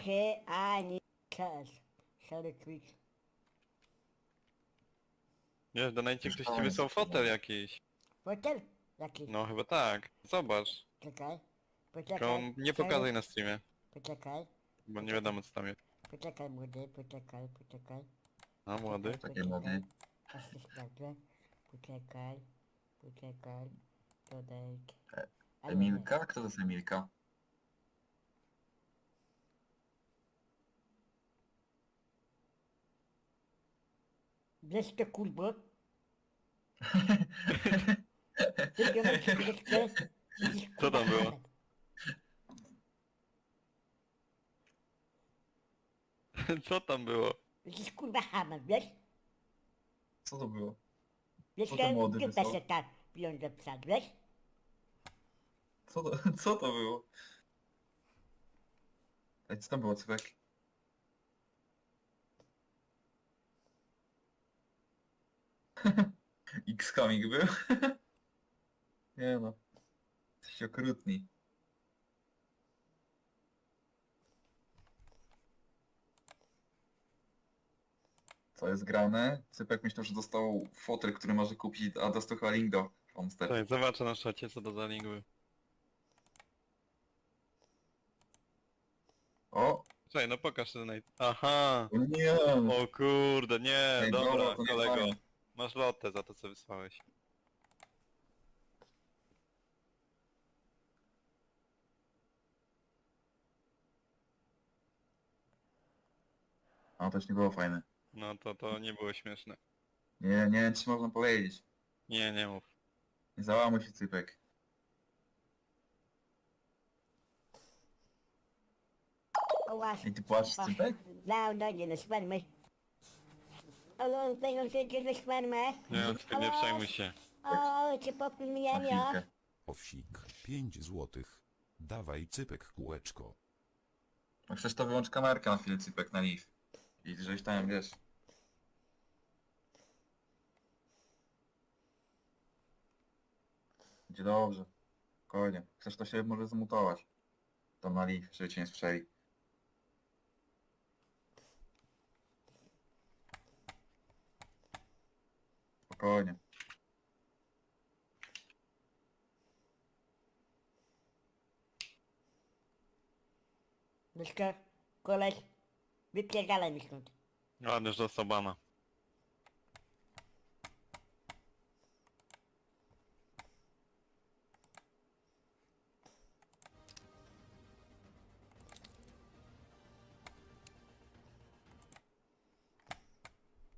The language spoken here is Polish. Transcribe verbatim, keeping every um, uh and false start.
Hey, I need cash. Sorry, Twitch. Wiesz, donajcie ktoś ci Słyszałem. wysłał fotel jakiś. Fotel? Jaki? No chyba tak. Zobacz. Czekaj. Tylko Poczekaj. nie Sorry. pokazuj na streamie, Poczekaj. bo nie wiadomo co tam jest. Poczekaj, młody, poczekaj, poczekaj. A młody? Takie młody. Aż to sprawdzę. Poczekaj. Poczekaj. Dodaj. E, Ale Emilka? Kto to jest Emilka? Bierz to kurbo. Ty nie masz kurczę. Co tam było? Co tam było? Jesteś kurwa hamer, wiesz? Co to było? Wiesz, Co ten młody ty wysłał? się ta pieniądze psa, wiesz? Co to, co to było? Ej, co tam było, Cypek? X-Coming był? Nie no. Jesteście okrutni. Co jest grane? Cypek myślał, że dostał fotel, który może kupić, a dostał chyba link do Homestead. Tak, zobaczę na szacie co to za link był. O! Czekaj, no pokaż ten naj... Aha! O nie! O kurde, nie, Ej, dobra, dobra, to nie kolego. fajnie. Masz lotę za to co wysłałeś. A to już nie było fajne. No to to nie było śmieszne. Nie, nie wiem, czy można powiedzieć. Nie, nie mów. Nie załamuj się, Cypek. O właśnie. Ej, ty płaczesz, Cypek? No, no, nie, no spermy. O, tego się nie spermy. Nie, ty nie przejmuj się. O, cię popij Na mnie, chwilkę. Owsik, pięć złotych. Dawaj Cypek kółeczko. No chcesz to wyłącz kamerkę na chwilę, Cypek, na live. I żeś tam, wiesz. Będzie dobrze. Spokojnie. Chcesz to się może zmutować. Tam na live, żeby cię nie słyszeli. Spokojnie. Myszka, koleś, wypierdalaj mi stąd. Ładnie, że dostał bana.